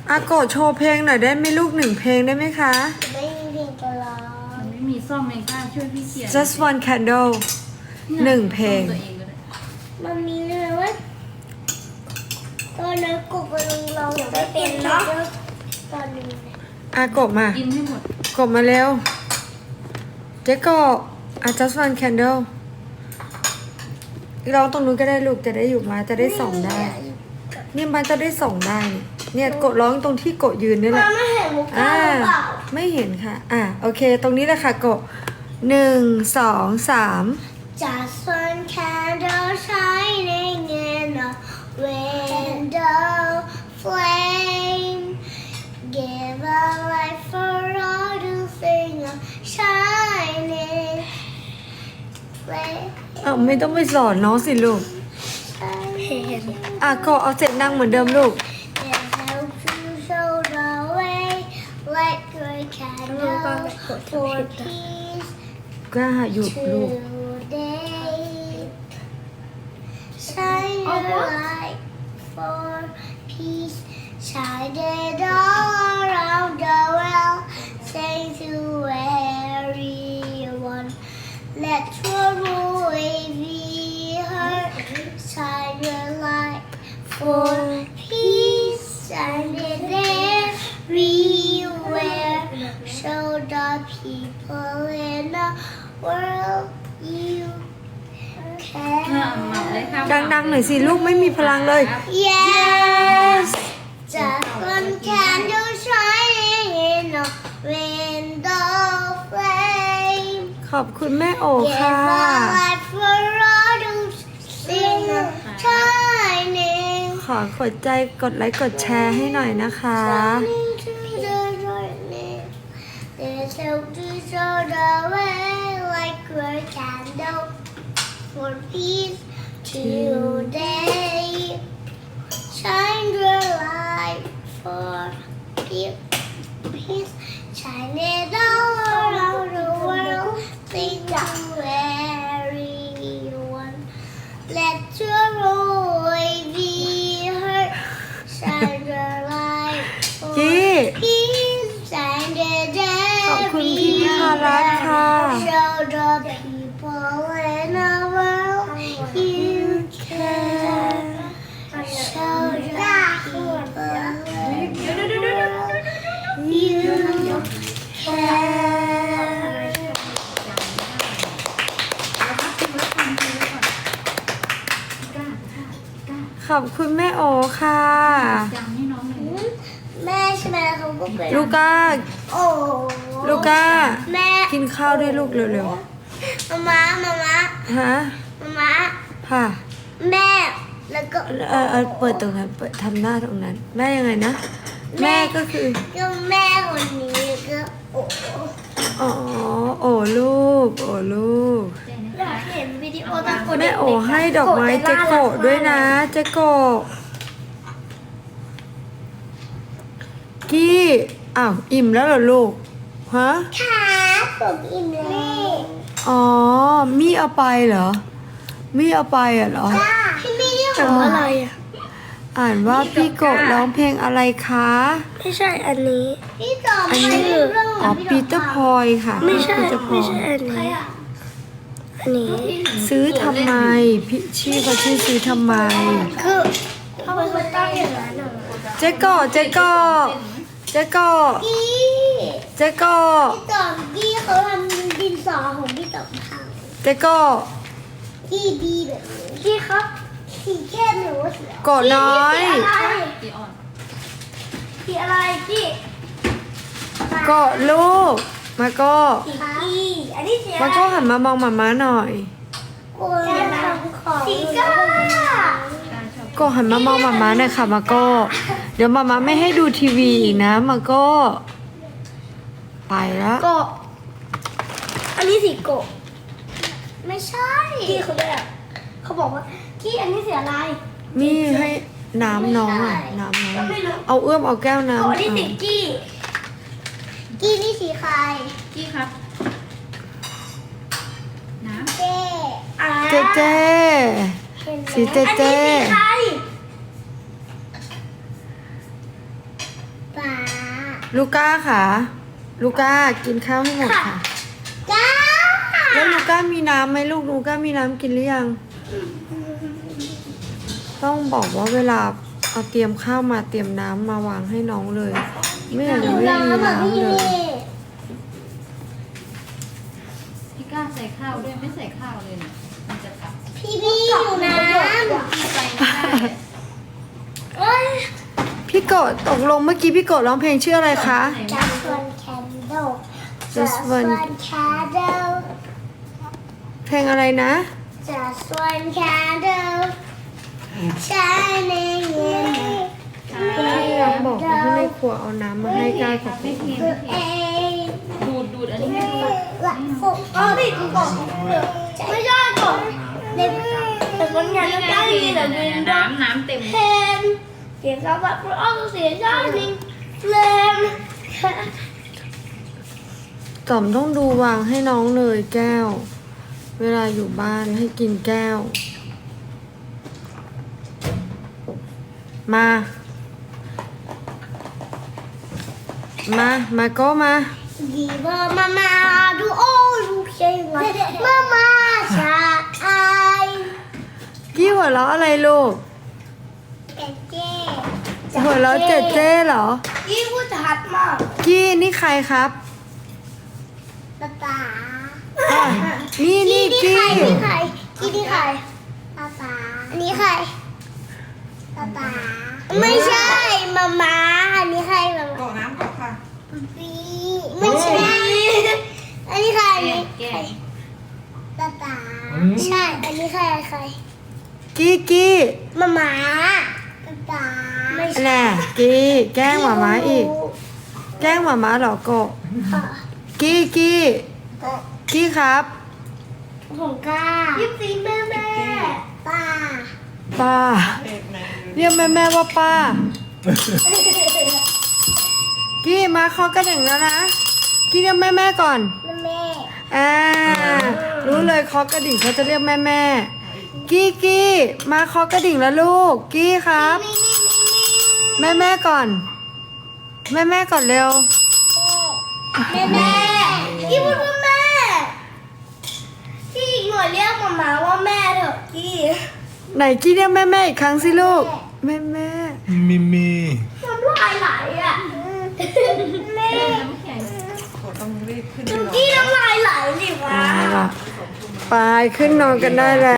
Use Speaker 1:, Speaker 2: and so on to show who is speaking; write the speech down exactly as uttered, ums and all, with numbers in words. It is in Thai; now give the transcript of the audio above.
Speaker 1: อาโกะโชว์เพลงหน่อยได้ไหมลูกหนึ่งเพลงได้ไหมคะ
Speaker 2: ไม่มีเพลงจะร้อง
Speaker 3: มันไม่มีซ่อมเองค่ะช่วยพี่เขียน
Speaker 1: just one candle หนึ่งเพลง
Speaker 3: ซ่อมตัวเองก็ได้
Speaker 2: มันมีเรื่องว่าตอนนั้นกบมันเราไม่เป็นเนาะตอนนี้
Speaker 1: อาโกะมา
Speaker 3: กินให้หมด
Speaker 1: กดมาเร็ว เจ๊ก็อ่ะ just one candle ร้องตรงนู้นก็ได้ลูกจะได้อยู่มาจะได้ส่องได้เนี่ยมันจะได้ส่องได้ เนี่ยกดร้องตรงที่กดยืนนี่แห
Speaker 2: มั
Speaker 1: ละ
Speaker 2: นไม่เห็นมุก
Speaker 1: อ่า
Speaker 2: ก้าหรือเปล่า
Speaker 1: ไม่เห็นค่ะ อ่ะโอเค ตรงนี้แหละค่ะกดหนึ่งสองสาม
Speaker 2: Just one candle shining in a window flame. Give a light for all to sing a shining flame.
Speaker 1: อ้าวไม่ต้องไปสอนน้องสิลูก อ่ะก็เอาเสียงดังเหมือนเดิมลูก
Speaker 2: It helps you show the way, like a candle for peace
Speaker 1: ก็หยุดลูก
Speaker 2: today. Shine your light for peace, shine it all around the world. Sing to everyone, let your voice be heard. Shine your light for peace, shine it everywhere. Show the people in the world you
Speaker 3: อ่ะมาเลย
Speaker 2: care.
Speaker 3: ค่ะ
Speaker 1: ดังๆหน่อยสิลูกไม่มีพลังเลย
Speaker 2: Yes, just one candle shining in a window flame.
Speaker 1: ขอบคุณแม่โอ
Speaker 2: Give
Speaker 1: ค่ะ
Speaker 2: a light for all to sing a shining.
Speaker 1: ขอกดใจกดไลค์กดแชร์ให้หน่อยนะคะ
Speaker 2: Shining to the darkness. There's hope to show the way like a candle for peace today. Shine your light for peace. Peace. Shine it all around the world. Sing to everyone. Let your voice be heard. Shine your light for
Speaker 1: จี้
Speaker 2: peace. Shine it
Speaker 1: ขอบคุณพี่พิพารัตน์ค่ะ
Speaker 2: everywhere. Show the people in the world you care. Show the people in the world you care.
Speaker 1: ขอบคุณแม่โอค่ะ
Speaker 3: ยังให้น้องเลย
Speaker 2: แม่ใช่ไหมเขาก็เป็น
Speaker 1: ลูก้า
Speaker 2: โอ้
Speaker 1: ลูก้า
Speaker 2: แม่
Speaker 1: กินข้าวด้วยลูกเร็ว
Speaker 2: มาม่ามาม่า
Speaker 1: ๆ ฮะ
Speaker 2: มาม่า
Speaker 1: ค่ะ
Speaker 2: แม่แล้วก็
Speaker 1: เออเออเปิดตรงนั้นเปิดทำหน้าตรงนั้น แม่ยังไงนะ แม่ก็คือ
Speaker 2: ก็แม่คนนี้ก็โอ้
Speaker 1: อ๋อ โอ้ลูก โอ้ลูก
Speaker 2: อยากเห็นวิดีโอตอนกด
Speaker 1: แม่โอให้ดอกไม้เจโกะด้วยนะ เจโกะกี้อ้าวอิ่มแล้วเหรอลูก ฮะ
Speaker 2: ค่ะผมอิ่มแล้ว
Speaker 1: อ๋อ มี่เอาไปเหรอ มี่เอาไปอ่ะเหรอ
Speaker 2: จ้าพี่ไม่ได้ของอะไรอ่ะ
Speaker 1: อ่านว่าพี่โกะร้องเพลงอะไรคะ
Speaker 2: ไม่ใช่อันนี้พี่ต่อ
Speaker 1: อัน
Speaker 2: ไม่
Speaker 1: นี้
Speaker 2: เรื่อง
Speaker 1: อ๋อปีเตอร์พอยค่ะ
Speaker 2: ไม่ใช่
Speaker 1: ปีเตอร์พอ
Speaker 2: ไม่
Speaker 1: ย
Speaker 2: ใช่อันนี้อันนี้
Speaker 1: ซื้อทำไม พี่ชื่อเขาชื่อซื้อทำไม
Speaker 2: คือเขาเป็นตั้งอย่างนั้นเหรอ
Speaker 1: เจ๊โกะเจ๊โกะเจ๊โกะ
Speaker 2: กี้
Speaker 1: เจ๊โกะ
Speaker 2: พี่ต่อกี้เขาทำดินสอของพี่ต่อพัง
Speaker 1: เจ๊โกะ
Speaker 2: กี้ดีแบบนี้กี้ครับสีเข้มหรือว่าสี
Speaker 1: โกะน้อย
Speaker 3: ตีอ่อน
Speaker 2: สีอะไรกี้
Speaker 1: โกะลูก มาโกะ
Speaker 2: สีกี้อันนี้สีอะไร
Speaker 1: มาโกะหันมามองหมาม้าหน่อย
Speaker 2: สีก้า
Speaker 1: โกะหันมามองหมาม้าหน่อยค่ะมาโกะเดี๋ยวหมาม้าไม่ให้ดูทีวีอีกนะมาโกะไปแล้ว
Speaker 2: โกะอันนี้สีโกะไม่ใช่กี้เขาด้วยอ่ะเขาบอกว่ากี้อันนี้สีอะไร
Speaker 1: นี่ให้น้ำน้องอ่ะน้ำน้องเอาเอื้อมเอาแก้วน้ำ
Speaker 2: โกะนี่สี
Speaker 1: เอา
Speaker 2: กี้กี้นี่สีใคร
Speaker 3: กี้ครับ น้ำ
Speaker 2: เจ๊อ่า
Speaker 1: เจเจ สีเจเจ
Speaker 2: อันนี้สีใคร
Speaker 1: ลูก้าค่ะลูก้ากินข้าวให้หมดค่ะ
Speaker 2: จ้า
Speaker 1: แล้วลูก้ามีน้ำไหมลูกลูก้ามีน้ำกินหรือยัง ต้องบอกว่าเวลาเอาเตรียมข้าวมาเตรียมน้ำมาวางให้น้องเลย ไม่อย่างนั้นไม่มี
Speaker 2: น้ำแบบ
Speaker 1: น้ำ
Speaker 2: พี่
Speaker 1: เลย
Speaker 3: พี่ก้าใส่ข้าวด้วยไม่ใส่ข้าวเลยเนี่ยมันจะกลับ
Speaker 2: พี่พี่อยู่น้
Speaker 3: พี่ไปไม่ได้
Speaker 2: ำเอ้ย
Speaker 1: พี่โกดตกลงเมื่อกี้พี่โกดร้องเพลงชื่ออะไรคะ
Speaker 2: Just one candle
Speaker 1: Just one
Speaker 2: candle
Speaker 1: เพลงอะไรนะ
Speaker 2: Just one candle shining in the
Speaker 1: พี่น้องบอกว่าที่ในครัวเอาน้ำมาให้ก้ากับ
Speaker 3: ไม่
Speaker 1: พี่
Speaker 3: เค็มไม่เค็ม
Speaker 2: เอ้ย
Speaker 3: ดูดดูดอันนี้ให้ดู
Speaker 2: หลักฟุกอ๋อดิกูบอกไม่ใช่ก่อนเด็กแต่คนงาน
Speaker 3: นี่
Speaker 2: ก็
Speaker 3: ไง
Speaker 2: ได้
Speaker 3: พี่
Speaker 2: ยินแต่
Speaker 3: เนี่ย
Speaker 2: วิน
Speaker 3: น้ำน้ำเต็ม
Speaker 2: เพนเสียงเขาแบบอ้อเสียงชอบจริงเลม
Speaker 1: จอมต้องดูวางให้น้องเลยแก้ว เวลาอยู่บ้านให้กินแก้ว มา มา มาก็มา
Speaker 2: ดีเบอร์มามาดูโอ้ดูเชียงมามามาชาไอ
Speaker 1: กี้หัวเราะอะไรลูก
Speaker 2: เจ๊เจ๊
Speaker 1: หัวเราะเจ๊เจ๊เหรอ
Speaker 2: ยี่พูดชัดมาก
Speaker 1: กี้นี่ใครครับ
Speaker 2: ตาตา
Speaker 1: อ่ะนี่นี่
Speaker 2: นี่
Speaker 1: กี้
Speaker 2: ใครนี่ใครกี้นี่ใครตาตาอันนี้ใครตาตาไม่ใช่มามาอันนี้ใครมามา
Speaker 4: กรอกน้ำกรอกค่ะ
Speaker 2: ปีไม่ใช่อันนี้ใครอันนี้
Speaker 3: แก
Speaker 2: ใครตาตาใช่ อันนี้ใครใคร
Speaker 1: กี้กี้
Speaker 2: มามาตาตาไม่ใช่
Speaker 1: แน่กี้แกล้งหมาม้าอีก แกล้งหมาม้าเหรอโกะ
Speaker 2: ค่ะ
Speaker 1: กี้กี้
Speaker 4: ก็
Speaker 1: กี้ครับ
Speaker 2: ของกายิบซีแม่แม่ป้า
Speaker 1: ป้า
Speaker 4: เอกแมน
Speaker 1: เรียกแม่แม่ว่าป้า กี้มาเคอกระดิ่งแล้วนะ กี้เรียกแม่แม่ก่อน
Speaker 2: แม่แม่
Speaker 1: อ่า รู้เลยเคอกระดิ่งเขาจะเรียกแม่แม่ กี้กี้มาเคอกระดิ่งแล้วลูก กี้ครับ แม่แม่ก่อน แม่แม่ก่อนเร็ว
Speaker 2: แม่แม่กี้พูดว่าแม่กี้อีกหน่อยเรียกมามาว่าแม่เถอะกี้
Speaker 1: ไหนกี้เรียกแม่แม่อีกครั้งสิลูก แม่แม่
Speaker 5: มิมี
Speaker 2: น้ำลายไหลอ่ะแม่
Speaker 3: น้ำแข็ง
Speaker 4: กดต้องรีบขึ้นไป
Speaker 2: จุ
Speaker 4: นอน
Speaker 2: กี้น้ำลายไหลสิวะ
Speaker 1: เอาล่ะไปขึ้นนอนกันได้แล้ว